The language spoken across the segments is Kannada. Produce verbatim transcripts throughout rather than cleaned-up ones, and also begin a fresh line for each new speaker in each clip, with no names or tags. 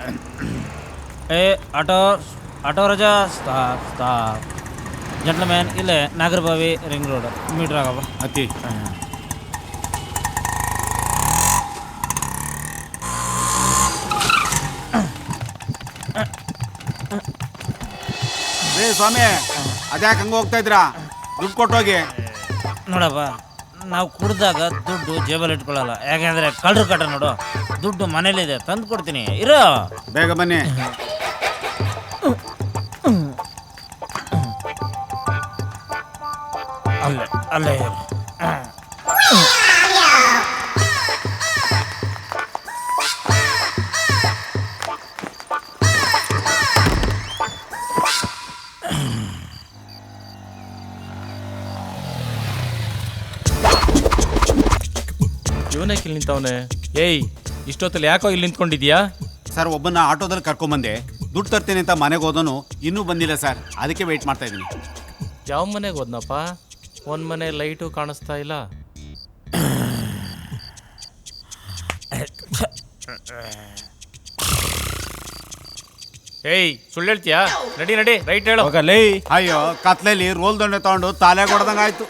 ಏ ಆಟೋ ಆಟೋ ರಜಾ ಸ್ಟಾಪ್ ಸ್ಟಾಪ್ ಜಂಟ್ಲ್ಮ್ಯಾನ್ ಇಲ್ಲೇ ನಾಗರಬಾವಿ ರಿಂಗ್ ರೋಡ್ ಮೀಟ್ರ್ ಆಗಪ್ಪ
ಹತ್ತಿ. ರೇ ಸ್ವಾಮಿ, ಅದ್ಯಾಕೆ ಹಂಗೆ ಹೋಗ್ತಾ ಇದ್ರಾ? ದುಡ್ಡು ಕೊಟ್ಟೋಗಿ.
ನೋಡಪ್ಪ, ನಾವು ಕುಡ್ದಾಗ ದುಡ್ಡು ಜೇಬಲ್ಲಿ ಇಟ್ಕೊಳ್ಳಲ್ಲ, ಯಾಕೆಂದ್ರೆ ಕಳ್ರು ಕಟ ನೋಡು, ದುಡ್ಡು ಮನೇಲಿದೆ, ತಂದು ಕೊಡ್ತೀನಿ, ಇರೋ.
ಬೇಗ ಬನ್ನಿ.
ಅಲ್ಲೇ ಅಲ್ಲೇ ಇರು.
ಇವನಕ್ಕೆ ಇಲ್ಲಿ ನಿಂತವನೆ? ಏಯ್, ಇಷ್ಟೊತ್ತಲ್ಲಿ ಯಾಕೋ ಇಲ್ಲಿ ನಿಂತ್ಕೊಂಡಿದ್ಯಾ?
ಸರ್, ಒಬ್ಬನ ಆಟೋದಲ್ಲಿ ಕರ್ಕೊಂಬಂದೆ, ದುಡ್ಡು ತರ್ತೀನಿ ಅಂತ ಮನೆಗೆ ಹೋದನು, ಇನ್ನೂ ಬಂದಿಲ್ಲ ಸರ್, ಅದಕ್ಕೆ ವೆಯ್ಟ್ ಮಾಡ್ತಾ ಇದ್ದೀನಿ.
ಯಾವ ಮನೆಗೆ ಹೋದ್ನಪ್ಪ? ಒಂದು ಮನೆ ಲೈಟು ಕಾಣಿಸ್ತಾ ಇಲ್ಲ. ಏಯ್, ಸುಳ್ಳು ಹೇಳ್ತೀಯಾ? ನಡಿ ನಡಿ, ರೈಟ್ ಹೇಳು.
ಅಯ್ಯೋ, ಕತ್ಲೆಯಲ್ಲಿ ರೋಲ್ ದಂಡೆ ತಗೊಂಡು ತಾಲೆ ಕೊಡ್ದಂಗೆ ಆಯ್ತು.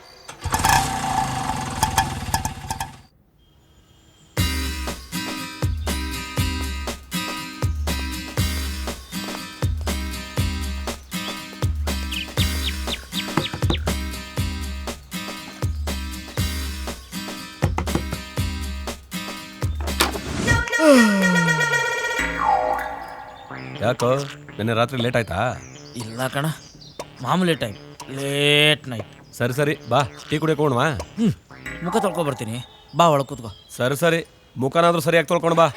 ಯಾಕೋ ನಿನ್ನೆ ರಾತ್ರಿ ಲೇಟ್ ಆಯ್ತಾ?
ಇಲ್ಲ ಕಣ, ಮಾಮೂಲಿ ಟೈಮ್, ಲೇಟ್ ನೈಟ್.
ಸರಿ ಸರಿ, ಬಾ ಟೀ ಕುಡಿಯೋಕೆ ಹೋಗೋಣವಾ?
ಹ್ಞೂ, ಮುಖ ತೊಳ್ಕೊ ಬರ್ತೀನಿ, ಬಾ ಒಳಗೆ ಕೂತ್ಕೋ.
ಸರಿ ಸರಿ, ಮುಖನಾದ್ರೂ ಸರಿಯಾಗಿ ತೊಳ್ಕೊಂಡು ಬಾ.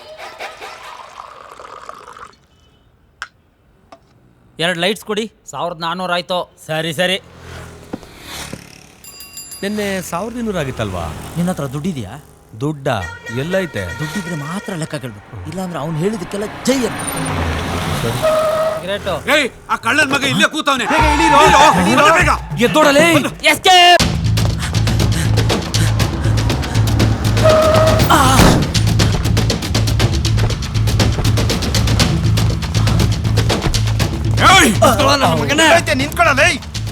ಎರಡು ಲೈಟ್ಸ್ ಕೊಡಿ, ಸಾವಿರದ ನಾನ್ನೂರು ಆಯ್ತು. ಸರಿ ಸರಿ.
ನಿನ್ನೆ ಸಾವಿರದ ಇನ್ನೂರು ಆಗಿತ್ತಲ್ವಾ?
ನಿನ್ನ ಹತ್ರ ದುಡ್ಡಿದೆಯಾ?
ದುಡ್ಡ ಎಲ್ಲೈತೆ?
ದುಡ್ಡಿದ್ರೆ ಮಾತ್ರ ಲೆಕ್ಕ ಕೇಳಬೇಕು, ಇಲ್ಲಾಂದ್ರೆ ಅವ್ನು ಹೇಳಿದಕ್ಕೆಲ್ಲ ಜೈ ಅಂತ. ಗ್ರೇಟು.
ಏಯ್, ಆ ಕಳ್ಳನ ಮಗ ಇಲ್ಲೇ ಕೂತವನೆ.
ಎದ್ದೋಡಲೇ.
ಎಸ್ಕೇಪ್.
ನಿಂತ್ಕೊಳ್ಳಲೇ.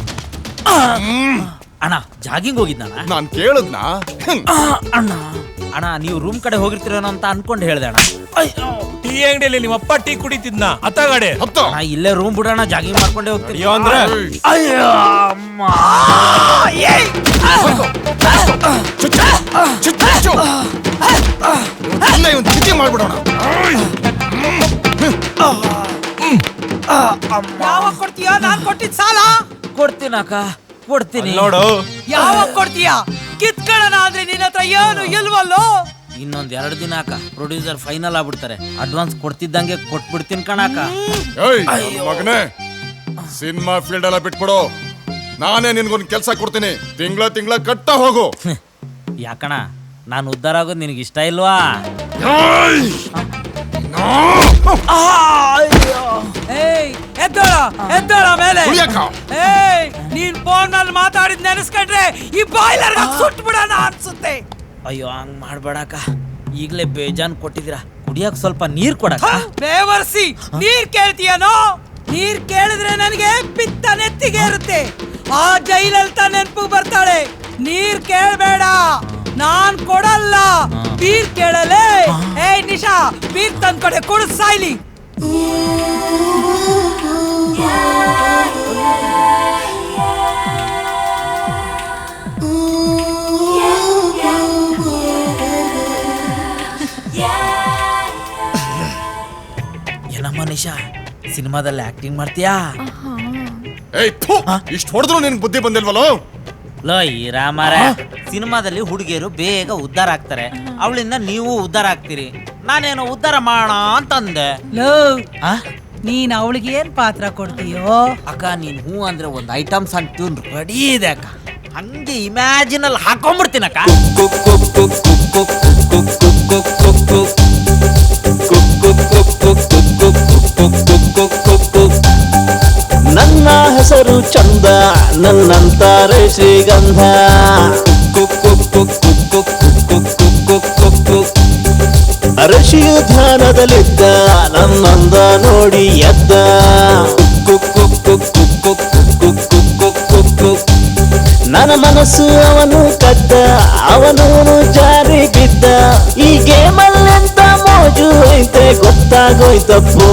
ಅಣ್ಣ ಜಾಗಿಂಗ್ ಹೋಗಿದ್ನ?
ನಾನ್ ಕೇಳದ್ನ
ಅಣ್ಣ ಅಣ್ಣ ನೀವು ರೂಮ್ ಕಡೆ ಹೋಗಿರ್ತೀರೇನೋ ಅಂತ ಅನ್ಕೊಂಡು ಹೇಳ್ದೆ ಅಣ್ಣ.
ಟೀ ಅಂಗಡಿಯಲ್ಲಿ ನಿಮ್ಮ ಅಪ್ಪ ಟೀ ಕುಡಿತಿದ್ನ ಅತ್ತಗಡೆ.
ಅಣ್ಣ ಇಲ್ಲೇ ರೂಮ್ ಬಿಡೋಣ, ಜಾಗಿಂಗ್ ಮಾಡ್ಕೊಂಡೇ ಹೋಗ್ತೀರಿ.
ಅಯ್ಯೋ ಅಂದ್ರೆ
ಅಯ್ಯೋ ಅಮ್ಮ.
ಮಾಡ್ಬಿಡೋಣ.
ಯಾವಾಗ ಕೊಡ್ತೀಯಾ? ನಾನ್ ಕೊಟ್ಟಿದ್ ಸಾಲ
ಕೊಡ್ತೀನಿ ಅಕ್ಕ, ಕೊಡ್ತೀನಿ.
ನೋಡು,
ಯಾವಾಗ ಕೊಡ್ತೀಯಾ? ಕಿತ್ಕೊಳ್ಳೋಣ ಅಂದ್ರೆ ನಿನ್ನ ಹತ್ರ ಏನು ಇಲ್ವಲ್ಲೋ.
ಇನ್ನೊಂದ್ ಎರಡು ದಿನ ಅಕ್ಕ, ಪ್ರೊಡ್ಯೂಸರ್ ಫೈನಲ್ ಆಗ್ಬಿಡ್ತಾರೆ, ಅಡ್ವಾನ್ಸ್ ಕೊಡ್ತಿದ್ದಂಗೆ ಕೊಟ್ಬಿಡ್ತೀನಿ ಕಣಕ್ಕ.
ಮಗನೇ, ಸಿನಿಮಾ ಫೀಲ್ಡ್ ಎಲ್ಲ ಬಿಟ್ಬಿಡು, ನಾನೇ ನಿನ್ಗೊಂದು ಕೆಲಸ ಕೊಡ್ತೀನಿ, ತಿಂಗಳ ತಿಂಗಳ ಕಟ್ಟ ಹೋಗು.
ಯಾಕಣ ನಾನು ಉದ್ಧಾರ ಆಗೋದು ನಿನಗೆ ಇಷ್ಟ ಇಲ್ವಾ?
ಎದ್ದೋಳ ಎದ್ದೋಳ ಮೇಲೆ. ಏಯ್, ನೀನ್ ಫೋನ್ ನಲ್ಲಿ ಮಾತಾಡಿದ್ ನೆನೆಸ್ಕೊಂಡ್ರೆ ಈ ಬಾಯ್ಲರ್ ಸುಟ್ ಬಿಡೋಣ ಅನ್ಸುತ್ತೆ.
ಅಯ್ಯೋ ಹಂಗ್ ಮಾಡ್ಬೇಡಕ್ಕ, ಈಗ್ಲೇ ಬೇಜಾನ್ ಕೊಟ್ಟಿದ್ದೀರಾ, ಕುಡಿಯಕ್ ಸ್ವಲ್ಪ ನೀರ್ ಕೊಡಕ್ಕ.
ಬೇವರ್ಸಿ ನೀರ್ ಕೇಳ್ತೀಯನೋ? ನೀರ್ ಕೇಳಿದ್ರೆ ನನಗೆ ಪಿತ್ತ ನೆತ್ತಿಗೆ ಇರುತ್ತೆ, ಆ ಜೈಲಲ್ಲಿ ತ ನೆನಪು ಬರ್ತಾಳೆ. ನೀರ್ ಕೇಳಬೇಡ, ನಾನ್ ಕೊಡಲ್ಲ. ಬೀರ್ ಕೇಳಲೇ? ಏಯ್ ನಿಶಾ, ಬೀರ್ ತಂದ್ ಕೊಡೆ, ಕುಡಿಸ್ ಸಾಯ್ಲಿ.
ಏನಮ್ಮ ನಿಶಾ, ಸಿನಿಮಾದಲ್ಲಿ ಆಕ್ಟಿಂಗ್ ಮಾಡ್ತೀಯಾ?
ಇಷ್ಟು ಹೊಡೆದ್ರು ನಿನ್ ಬುದ್ಧಿ ಬಂದಿಲ್ವಲ್ಲೋ?
ಲೋ ಈ ರಾಮಾರ, ಸಿನಿಮಾದಲ್ಲಿ ಹುಡುಗಿಯರು ಬೇಗ ಉದ್ಧಾರ ಆಗ್ತಾರೆ, ಅವಳಿಂದ ನೀವು ಉದ್ಧಾರ ಆಗ್ತೀರಿ, ನಾನೇನೋ ಉದ್ಧಾರ ಮಾಡೋಣ ಅಂತಂದೆ.
ಲೋ, ನೀನ್ ಅವಳಿಗೆ ಏನ್ ಪಾತ್ರ ಕೊಡ್ತೀಯೋ?
ಅಕ್ಕ ನೀನ್ ಹೂ ಅಂದ್ರೆ ಒಂದು ಐಟಮ್ ಸಾಂಗ್ ಟ್ಯೂನ್ ರೆಡಿ ಇದೆ ಅಕ್ಕ, ಹಂಗೆ ಇಮ್ಯಾಜಿನ್ ಅಲ್ಲಿ ಹಾಕೊಂಡ್ಬಿಡ್ತೀನಕ್ಕ.
ನನ್ನ ಹೆಸರು ಚಂದ, ನನ್ನಂತಾರೆ ಶ್ರೀಗಂಧ. ಋಷಿಯು ಧ್ಯಾನದಲ್ಲಿದ್ದ ನನ್ನಂದ ನೋಡಿ ಎದ್ದ ಕುಕ್ಕು ಕುಕ್ಕು ಕುಕ್ಕು ಕುಕ್ಕು ಕುಕ್ಕು ಕುಕ್ಕು ನನ್ನ ಮನಸ್ಸು ಅವನು ಕದ್ದ ಅವನು ಜಾರಿ ಬಿದ್ದ ಈ ಗೇಮಲ್ಲೆಂತ ಮೋಜು ಐತೆ ಗೊತ್ತಾಗೋಯ್ತಪ್ಪೋ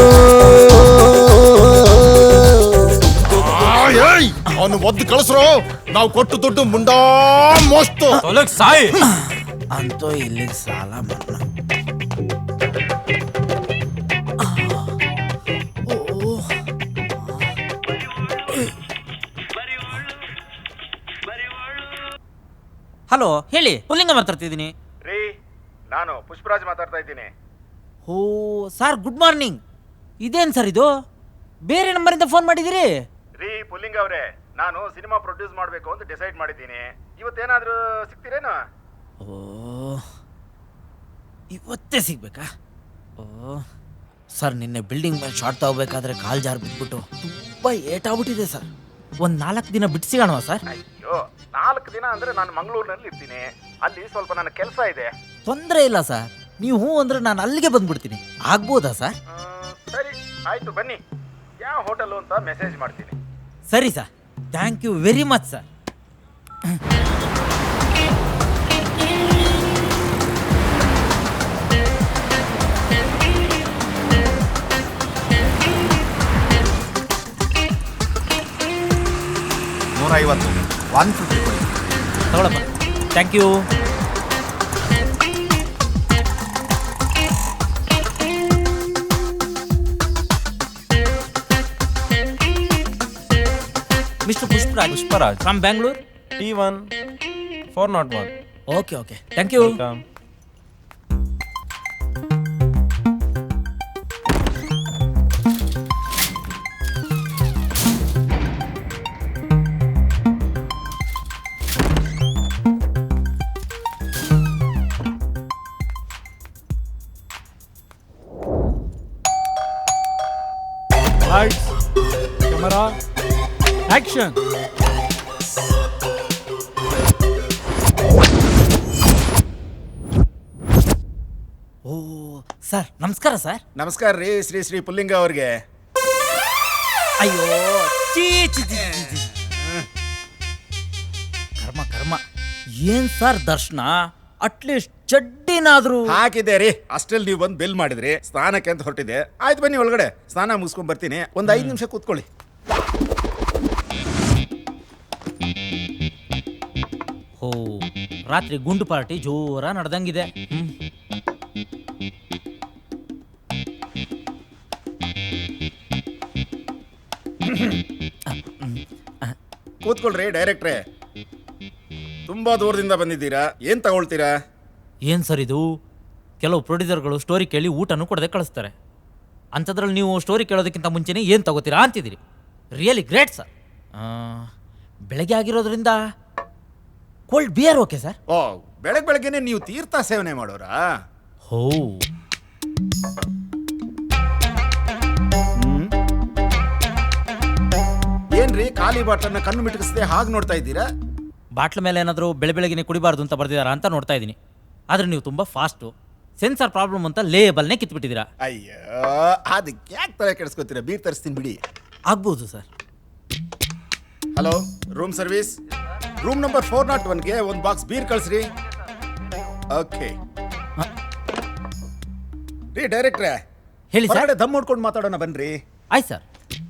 ಅವನು ಒದ್ದು ಕಳಿಸ್ರು ನಾವು ಕೊಟ್ಟು ದುಡ್ಡು ಮುಂಡಾ ಮೋಸ್ತು
ಸಾಯಿ
ಅಂತೂ ಇಲ್ಲಿಗೆ ಸಾಲ ಮನ್ನಾ. ಹಲೋ ಹೇಳಿ, ಪುಲ್ಲಿಂಗ ಮಾತಾಡ್ತಿದ್ದೀನಿ.
ರೀ ನಾನು ಪುಷ್ಪರಾಜ್ ಮಾತಾಡ್ತಾ ಇದ್ದೀನಿ.
ಓ ಸರ್, ಗುಡ್ ಮಾರ್ನಿಂಗ್. ಇದೇನು ಸರ್ ಇದು, ಬೇರೆ ನಂಬರಿಂದ ಫೋನ್ ಮಾಡಿದಿರಿ?
ರೀ ಪುಲ್ಲಿಂಗ್ ಅವರೇ, ನಾನು ಸಿನಿಮಾ ಪ್ರೊಡ್ಯೂಸ್ ಮಾಡಬೇಕು ಅಂತ ಡಿಸೈಡ್ ಮಾಡಿದ್ದೀನಿ. ಇವತ್ತೇನಾದರೂ ಸಿಗ್ತೀರೇನು?
ಓ ಇವತ್ತೇ ಸಿಗ್ಬೇಕಾ? ಓ ಸರ್, ನಿನ್ನೆ ಬಿಲ್ಡಿಂಗ್ ಮೇಲೆ ಶಾರ್ಟ್ ತಗೋಬೇಕಾದ್ರೆ ಕಾಲ್ ಜಾರ್ ಬಿಟ್ಬಿಟ್ಟು ತುಂಬ ಏಟಾಗ್ಬಿಟ್ಟಿದೆ ಸರ್. ಒಂದು ನಾಲ್ಕು ದಿನ ಬಿಟ್ಟು ಸಿಗೋಣವಾ ಸರ್?
ಅಯ್ಯೋ, ನಾಲ್ಕು ದಿನ ಅಂದರೆ ನಾನು ಮಂಗಳೂರಿನಲ್ಲಿ ಇರ್ತೀನಿ. ಅಲ್ಲಿ ಸ್ವಲ್ಪ ನನ್ನ ಕೆಲಸ ಇದೆ.
ತೊಂದರೆ ಇಲ್ಲ ಸರ್, ನೀವು ಹ್ಞೂ ಅಂದರೆ ನಾನು ಅಲ್ಲಿಗೆ ಬಂದ್ಬಿಡ್ತೀನಿ. ಆಗ್ಬೋದಾ ಸರ್?
ಮ್, ಸರಿ ಆಯಿತು, ಬನ್ನಿ. ಯಾವ ಹೋಟೆಲು ಅಂತ ಮೆಸೇಜ್ ಮಾಡ್ತೀನಿ.
ಸರಿ sir, thank you very much sir.
ನೂರ ಐವತ್ತು ಒನ್ ಫಿಫ್ಟಿ ಕೊಡಿ.
ತಗೊಳಪ್ಪ, thank you. Mister Pushparaj
Pushparaj
from Bangalore.
T one four naught one.
Okay okay, thank you.
Lights, camera, action.
ಓ ಸರ್, ನಮಸ್ಕಾರ ಸರ್.
ನಮಸ್ಕಾರ ರೀ ಶ್ರೀ ಶ್ರೀ ಪುಲ್ಲಿಂಗ ಅವ್ರಿಗೆ.
ಅಯ್ಯೋ ಚೀ ಚಿ ಚಿ ಚಿ ಚಿ. ಕರ್ಮ ಕರ್ಮ. ಏನ್ ಸರ್ ದರ್ಶನ, ಅಟ್ಲೀಸ್ಟ್ ಚಡ್ಡಿನಾದ್ರೂ
ಹಾಕಿದೆ ರೀ. ಅಷ್ಟಲ್ಲಿ ನೀವು ಬಂದು ಬಿಲ್ ಮಾಡಿದ್ರಿ, ಸ್ನಾನಕ್ಕೆ ಅಂತ ಹೊರಟಿದೆ. ಆಯ್ತು ಬನ್ನಿ ಒಳಗಡೆ, ಸ್ನಾನ ಮುಗಿಸ್ಕೊಂಡ್ ಬರ್ತೀನಿ. ಒಂದು ಐದು ನಿಮಿಷ ಕೂತ್ಕೊಳ್ಳಿ.
ಓ ರಾತ್ರಿ ಗುಂಡು ಪಾರ್ಟಿ ಜೋರ ನಡೆದಂಗಿದೆ. ಹ್ಮ್.
ಕೂತ್ಕೊಳ್ರಿ ಡೈರೆಕ್ಟ್ರೇ. ತುಂಬಾ ದೂರದಿಂದ ಬಂದಿದ್ದೀರಾ, ಏನ್ ತಗೊಳ್ತೀರಾ?
ಏನ್ ಸರ್ ಇದು, ಕೆಲವು ಪ್ರೊಡ್ಯೂಸರ್ಗಳು ಸ್ಟೋರಿ ಕೇಳಿ ಊಟನೂ ಕೊಡದೆ ಕಳಿಸ್ತಾರೆ. ಅಂಥದ್ರಲ್ಲಿ ನೀವು ಸ್ಟೋರಿ ಕೇಳೋದಕ್ಕಿಂತ ಮುಂಚೆನೇ ಏನು ತಗೋತೀರಾ ಅಂತಿದ್ದೀರಿ. Really great sir. ಬೆಳಗ್ಗೆ ಆಗಿರೋದ್ರಿಂದ ಕೋಲ್ಡ್ ಬಿಯರ್ ಓಕೆ ಸರ್?
ಓ, ಬೆಳಗ್ಗೆ ಬೆಳಗ್ಗೆನೆ ನೀವು ತೀರ್ಥ ಸೇವನೆ ಮಾಡೋರಾ?
ಹೋ,
ಏನ್ರಿ ಖಾಲಿ ಬಾಟ್ಲನ್ನ ಕಣ್ಣು ಮಿಟಕಿಸದೆ ಹಾಗೆ ನೋಡ್ತಾ ಇದ್ದೀರಾ?
ಬಾಟ್ಲ ಮೇಲೆ ಏನಾದರೂ ಬೆಳೆ ಬೆಳಗ್ಗೆನೆ ಕುಡಿಬಾರ್ದು ಅಂತ ಬರ್ದಿದಾರಾ ಅಂತ ನೋಡ್ತಾ ಇದ್ದೀನಿ. ಆದರೆ ನೀವು ತುಂಬ ಫಾಸ್ಟು, ಸೆನ್ಸಾರ್ ಪ್ರಾಬ್ಲಮ್ ಅಂತ ಲೇಬಲ್ನೇ ಕಿತ್ಬಿಟ್ಟಿದ್ದೀರಾ.
ಅಯ್ಯೋ, ಅದಕ್ಕೆ ಯಾಕೆ ತಲೆ ಕೆಡಿಸ್ಕೊತೀರಾ? ಬೀರ್ ತರಿಸ್ತೀನಿ ಬಿಡಿ.
ಆಗ್ಬೋದು sir.
Hello, room service. Room number four naught ಒನ್ಗೆ ಒಂದು ಬಾಕ್ಸ್ ಬೀರ್ ಕಳಿಸ್ರಿ. ಓಕೆ ರೀ ಡೈರೆಕ್ಟ್ರೇ,
ಹೇಳಿ ಸರ್.
ಹೊರಗಡೆ ದಮ್ ಹೊಡ್ಕೊಂಡು ಮಾತಾಡೋಣ ಬನ್ರಿ.
ಆಯ್ತು ಸರ್.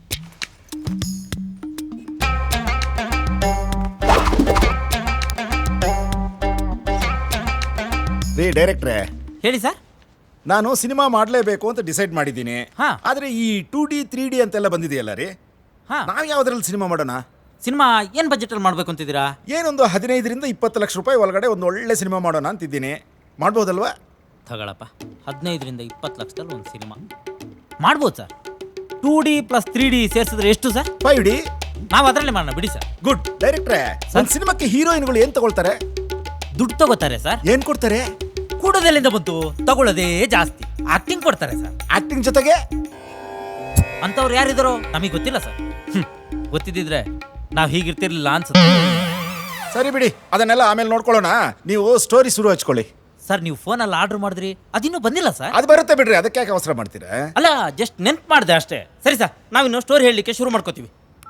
ರೀ ಡೈರೆಕ್ಟ್ರೇ,
ಹೇಳಿ ಸರ್.
ನಾನು ಸಿನಿಮಾ ಮಾಡಲೇಬೇಕು ಅಂತ ಡಿಸೈಡ್ ಮಾಡಿದ್ದೀನಿ.
ಹಾ.
ಆದ್ರೆ ಈ ಟೂ ಡಿ ತ್ರೀ ಡಿ ಅಂತೆಲ್ಲ ಬಂದಿದೆಯಲ್ಲ ರೀ,
ಹಾಂ,
ನಾವು ಯಾವ್ದ್ರಲ್ಲಿ ಸಿನಿಮಾ ಮಾಡೋಣ?
ಸಿನಿಮಾ ಏನು ಬಜೆಟಲ್ಲಿ ಮಾಡಬೇಕು ಅಂತಿದ್ದೀರಾ?
ಏನೊಂದು ಹದಿನೈದರಿಂದ ಇಪ್ಪತ್ತು ಲಕ್ಷ ರೂಪಾಯಿ ಒಳಗಡೆ ಒಂದು ಒಳ್ಳೆ ಸಿನಿಮಾ ಮಾಡೋಣ ಅಂತಿದ್ದೀನಿ. ಮಾಡ್ಬೋದಲ್ವಾ?
ತಗೊಳಪ್ಪ, ಹದಿನೈದರಿಂದ ಇಪ್ಪತ್ತು ಲಕ್ಷದಲ್ಲಿ ಒಂದು ಸಿನಿಮಾ ಮಾಡ್ಬೋದು sir. Two D plus three D ಸೇರಿಸಿದ್ರೆ ಎಷ್ಟು ಸರ್?
Five D.
ನಾವು ಅದರಲ್ಲೇ ಮಾಡೋಣ ಬಿಡಿ ಸರ್.
ಗುಡ್. ಡೈರೆಕ್ಟ್ರೇ, ಒಂದು ಸಿನಿಮಾಕ್ಕೆ ಹೀರೋಯಿನ್ಗಳು ಏನ್ ತಗೊಳ್ತಾರೆ?
ದುಡ್ಡು ತಗೋತಾರೆ ಸರ್.
ಏನ್ ಕೊಡ್ತಾರೆ?
ಕೂಡೋದೆಲ್ಲಿಂದ ಬಂತು, ತಗೊಳ್ಳೋದೇ ಜಾಸ್ತಿ. ಆಕ್ಟಿಂಗ್ ಕೊಡ್ತಾರೆ ಸರ್.
ಆಕ್ಟಿಂಗ್ ಜೊತೆಗೆ
ಅಂಥವ್ರು ಯಾರಿದ್ದಾರೋ ನಮಗೆ ಗೊತ್ತಿಲ್ಲ ಸರ್. ಹ್ಮ್. ಗೊತ್ತಿದ್ದಿದ್ರೆ ನಾವು ಹೀಗಿರ್ತಿರ್ಲಿಲ್ಲ ಅನ್ಸುತ್ತೆ.
ಸರಿ ಬಿಡಿ, ಅದನ್ನೆಲ್ಲ ಆಮೇಲೆ ನೋಡ್ಕೊಳ್ಳೋಣ. ನೀವು ಸ್ಟೋರಿ ಶುರು ಹಚ್ಕೊಳ್ಳಿ.
ಸರ್ ನೀವು ಫೋನಲ್ಲಿ ಆರ್ಡರ್ ಮಾಡಿದ್ರಿ ಅದಿನ್ನೂ ಬಂದಿಲ್ಲ ಸರ್.
ಅದು ಬರುತ್ತೆ ಬಿಡ್ರಿ, ಅದಕ್ಕೆ ಯಾಕೆ ಅವಸರ ಮಾಡ್ತೀರಾ?
ಅಲ್ಲ ಜಸ್ಟ್ ನೆನ್ಪು ಮಾಡಿದೆ ಅಷ್ಟೇ. ಸರಿ ಸರ್, ನಾವಿನ್ನು ಸ್ಟೋರಿ ಹೇಳಲಿಕ್ಕೆ ಶುರು ಮಾಡ್ಕೋತೀವಿ.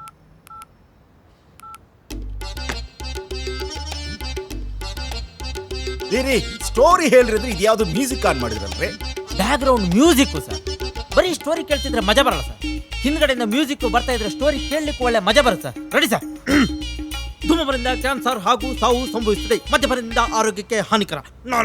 ರೀ ಸ್ಟೋರಿ ಹೇಳ್ರಿ ಅಂದ್ರೆ ಇದ್ಯಾವುದು ಮ್ಯೂಸಿಕ್ ಆನ್ ಮಾಡಿದ್ರಲ್ರಿ?
Background music sir. ಬರೀ ಸ್ಟೋರಿ ಕೇಳ್ತಿದ್ರೆ ಮಜಾ ಬರಲ್ಲ ಸರ್. ಹಿಂದ್ಗಡೆಯಿಂದ ಮ್ಯೂಸಿಕ್ ಬರ್ತಾ ಇದ್ರೆ ಸ್ಟೋರಿ ಕೇಳಲಿಕ್ಕೆ ಒಳ್ಳೆ ಮಜಾ ಬರುತ್ತೆ ಸರ್. Ready sir? ಧೂಮಪಾನದಿಂದ ಕ್ಯಾನ್ಸರ್ ಹಾಗೂ ಸಾವು ಸಂಭವಿಸುತ್ತದೆ, ಮದ್ಯಪಾನದಿಂದ ಆರೋಗ್ಯಕ್ಕೆ ಹಾನಿಕರ.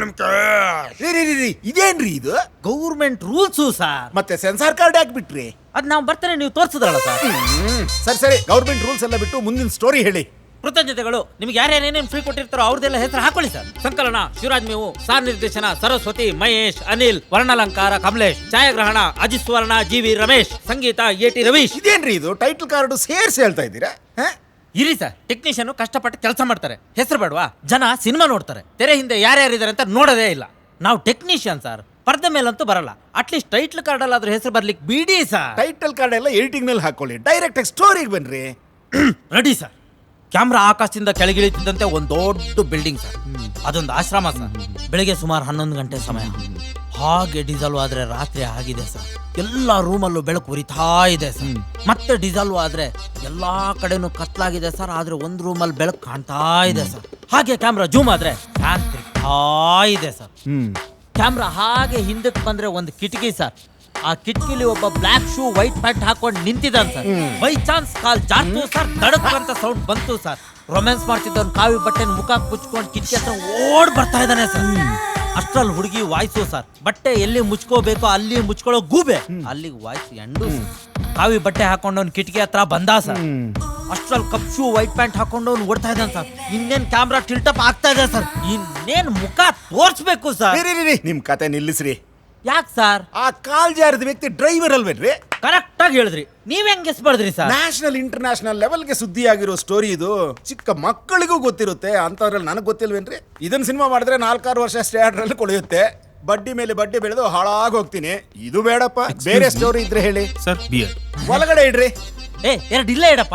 ರೀ ರೀ ರೀ, ರೀ ಇದೇನ್ರಿ ಇದು?
Government rules sir.
ಮತ್ತೆ ಸೆನ್ಸಾರ್ ಕಾರ್ಡ್ ಹಾಕ್ಬಿಟ್ರಿ?
ಅದ್ ನಾವು ಬರ್ತಾನೆ ನೀವು ತೋರಿಸಿದ್ರಲ್ಲ ಸರ್.
ಸರಿ ಸರಿ, ಗೌರ್ಮೆಂಟ್ ರೂಲ್ಸ್ ಎಲ್ಲ ಬಿಟ್ಟು ಮುಂದಿನ ಸ್ಟೋರಿ ಹೇಳಿ.
ಕೃತಜ್ಞತೆಗಳು. ನಿಮ್ಗೆ ಯಾರ್ಯಾರೇನೇನು ಫ್ರೀ ಕೊಟ್ಟಿರ್ತಾರೋ ಅವ್ರದ್ದೆಲ್ಲ ಹೆಸರು ಹಾಕೊಳ್ಳಿ ಸರ್. ಸಂಕಲನ ಶಿವರಾಜ್ ಮೇವು, ಸಾರ್ ನಿರ್ದೇಶನ ಸರಸ್ವತಿ, ಮಹೇಶ್, ಅನಿಲ್, ವರ್ಣಾಲಂಕಾರ ಕಮಲೇಶ್, ಛಾಯಾಗ್ರಹಣ ಅಜಿತ್ ಸುವರ್ಣ, ಜಿ ವಿ ರಮೇಶ್, ಸಂಗೀತ ಎ ಟಿ ರವೀಶ್.
ಇದೇನ್ರಿ ಇದು? ಟೈಟಲ್ ಕಾರ್ಡ್ ಸೇರ್ಸಿ ಹೇಳ್ತಾ ಇದ್ದೀರಾ?
ಇರಿ ಸರ್, ಟೆಕ್ನಿಷಿಯನ್ ಕಷ್ಟಪಟ್ಟು ಕೆಲಸ ಮಾಡ್ತಾರೆ, ಹೆಸರು ಬೇಡವಾ? ಜನ ಸಿನಿಮಾ ನೋಡ್ತಾರೆ, ತೆರೆ ಹಿಂದೆ ಯಾರ್ಯಾರಿದ್ದಾರೆ ಅಂತ ನೋಡೋದೇ ಇಲ್ಲ. ನಾವು ಟೆಕ್ನಿಷಿಯನ್ ಸರ್, ಪರ್ದೆ ಮೇಲಂತೂ ಬರಲ್ಲ. ಅಟ್ಲೀಸ್ಟ್ ಟೈಟ್ಲ್ ಕಾರ್ಡ್ ಅಲ್ಲಾದ್ರೂ ಹೆಸರು ಬರ್ಲಿಕ್ಕೆ ಬಿಡಿ ಸರ್.
ಟೈಟಲ್ ಕಾರ್ಡ್ ಎಲ್ಲ ಎಡಿಟಿಂಗ್ ಮೇಲೆ ಹಾಕೊಳ್ಳಿ, ಡೈರೆಕ್ಟ್ ಆಗಿ ಸ್ಟೋರಿಗೆ ಬನ್ರಿ.
Ready sir. ಕ್ಯಾಮ್ರಾ ಆಕಾಶದಿಂದ ಕೆಳಗಿಳಿತಿದ್ದಂತೆ ಒಂದು ದೊಡ್ಡ ಬಿಲ್ಡಿಂಗ್ ಸರ್. ಅದೊಂದು ಆಶ್ರಮ ಸರ್. ಬೆಳಿಗ್ಗೆ ಸುಮಾರು ಹನ್ನೊಂದು ಗಂಟೆ ಸಮಯ. ಹಾಗೆ ಡಿಸಾಲ್ವ್ ಆದ್ರೆ ರಾತ್ರಿ ಆಗಿದೆ ಸರ್. ಎಲ್ಲಾ ರೂಮಲ್ಲೂ ಬೆಳಕು ಉರಿತಾ ಇದೆ ಸರ್. ಮತ್ತೆ ಡಿಸಾಲ್ವ್ ಆದ್ರೆ ಎಲ್ಲಾ ಕಡೆನೂ ಕತ್ಲಾಗಿದೆ ಸರ್. ಆದ್ರೆ ಒಂದ್ ರೂಮಲ್ಲಿ ಬೆಳಕು ಕಾಣ್ತಾ ಇದೆ ಸರ್. ಹಾಗೆ ಕ್ಯಾಮ್ರಾ ಜೂಮ್ ಆದ್ರೆ ಫ್ಯಾನ್ ತಿರ್ಗ್ತಾ ಇದೆ ಸರ್. ಕ್ಯಾಮ್ರಾ ಹಾಗೆ ಹಿಂದಕ್ಕೆ ಬಂದ್ರೆ ಒಂದು ಕಿಟಕಿ ಸರ್. ಆ ಕಿಟಕಿಲಿ ಒಬ್ಬ ಬ್ಲಾಕ್ ಶೂ ವೈಟ್ ಪ್ಯಾಂಟ್ ಹಾಕೊಂಡು ನಿಂತಿದ್ದಾನೆ ಸರ್. ಬೈ ಚಾನ್ಸ್ ಕಾಲ್ ಜಾರ್ತು ಸರ್, ತಡಕ್ ಅಂತ ಸೌಂಡ್ ಬಂತು ಸರ್. ರೊಮ್ಯಾನ್ಸ್ ಮಾಡ್ತಿದ್ದವನ್ ಕಾವಿ ಬಟ್ಟೆ ಮುಖ ಮುಚ್ಕೊಂಡು ಕಿಟಕಿ ಹತ್ರ ಓಡ್ ಬರ್ತಾ ಇದ್ದಾನೆ ಸರ್. ಅಷ್ಟ್ರಲ್ಲಿ ಹುಡುಗಿ ವಾಯ್ಸು ಸರ್. ಬಟ್ಟೆ ಎಲ್ಲಿ ಮುಚ್ಕೋಬೇಕೋ ಅಲ್ಲಿ ಮುಚ್ಕೊಳ್ಳೋ ಗೂಬೆ, ಅಲ್ಲಿ ವಾಯ್ಸ್ ಎಂಡು. ಕಾವಿ ಬಟ್ಟೆ ಹಾಕೊಂಡವ್ನು ಕಿಟಕಿ ಹತ್ರ ಬಂದ ಸರ್. ಅಷ್ಟ್ರಲ್ಲಿ ಕಪ್ ಶೂ ವೈಟ್ ಪ್ಯಾಂಟ್ ಹಾಕೊಂಡವ್ನು ಓಡ್ತಾ ಇದ್ದಾನೆ ಸರ್. ಇನ್ನೇನ್ ಕ್ಯಾಮ್ರಾ ಟಿಲ್ಟಪ್ ಆಗ್ತಾ ಇದೆ ಸರ್. ಇನ್ನೇನ್ ಮುಖ ತೋರ್ಸ್ಬೇಕು ಸರ್.
ರೀ, ರೀ, ರೀ, ನಿಮ್ ಕತೆ ನಿಲ್ಲಿಸ್ರಿ.
ಯಾಕೆ ಸರ್?
ಆ ಕಾಲ್ ಜಾರದ ವ್ಯಕ್ತಿ ಡ್ರೈವರ್ ಅಲ್ವೇನ್ರಿ?
ಕರೆಕ್ಟ್ ಆಗಿ ಹೇಳಿದ್ರಿ. ನೀವ್ ಹೆಂಗ್ ಗೆಸ್ ಮಾಡಿದ್ರಿ ಸರ್?
ನ್ಯಾಷನಲ್ ಇಂಟರ್ನ್ಯಾಷನಲ್ ಲೆವೆಲ್ಗೆ ಸುದ್ದಿ ಆಗಿರೋ ಸ್ಟೋರಿ ಇದು. ಚಿಕ್ಕ ಮಕ್ಕಳಿಗೂ ಗೊತ್ತಿರುತ್ತೆ, ಅಂತವ್ರಲ್ಲಿ ನನಗೆ ಗೊತ್ತಿಲ್ವೇನ್ರಿ? ಇದನ್ನ ಸಿನಿಮಾ ಮಾಡಿದ್ರೆ ನಾಲ್ಕಾರು ವರ್ಷ ಸ್ಟೇ ಆರ್ಡ್ರಲ್ಲಿ ಕೊಳೆಯುತ್ತೆ. ಬಡ್ಡಿ ಮೇಲೆ ಬಡ್ಡಿ ಬೆಳೆದು ಹಾಳಾಗಿ ಹೋಗ್ತೀನಿ. ಇದು ಬೇಡಪ್ಪ, ಬೇರೆ ಸ್ಟೋರಿ ಇದ್ರೆ ಹೇಳಿ
ಸರ್. ಬಿಯರ್
ಒಳಗಡೆ ಇಡ್ರಿ.
ಏ ಎರಡು ಇಲ್ಲ ಇಡಪ್ಪ.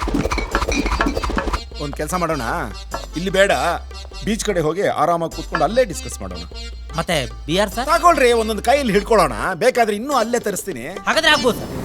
ಒಂದ್ ಕೆಲಸ ಮಾಡೋಣ, ಇಲ್ಲಿ ಬೇಡ, ಬೀಚ್ ಕಡೆ ಹೋಗಿ ಆರಾಮಾಗಿ ಕೂತ್ಕೊಂಡು ಅಲ್ಲೇ ಡಿಸ್ಕಸ್ ಮಾಡೋಣ.
ಮತ್ತೆ ಬಿಯರ್ ಸರ್
ತಗೊಳ್ರಿ, ಒಂದೊಂದು ಕೈಯಲ್ಲಿ ಹಿಡ್ಕೊಳ್ಳೋಣ. ಬೇಕಾದ್ರೆ ಇನ್ನೂ ಅಲ್ಲೇ ತರಿಸ್ತೀನಿ.
ಹಾಗಾದ್ರೆ ಆಗ್ಬೋದು ಸರ್.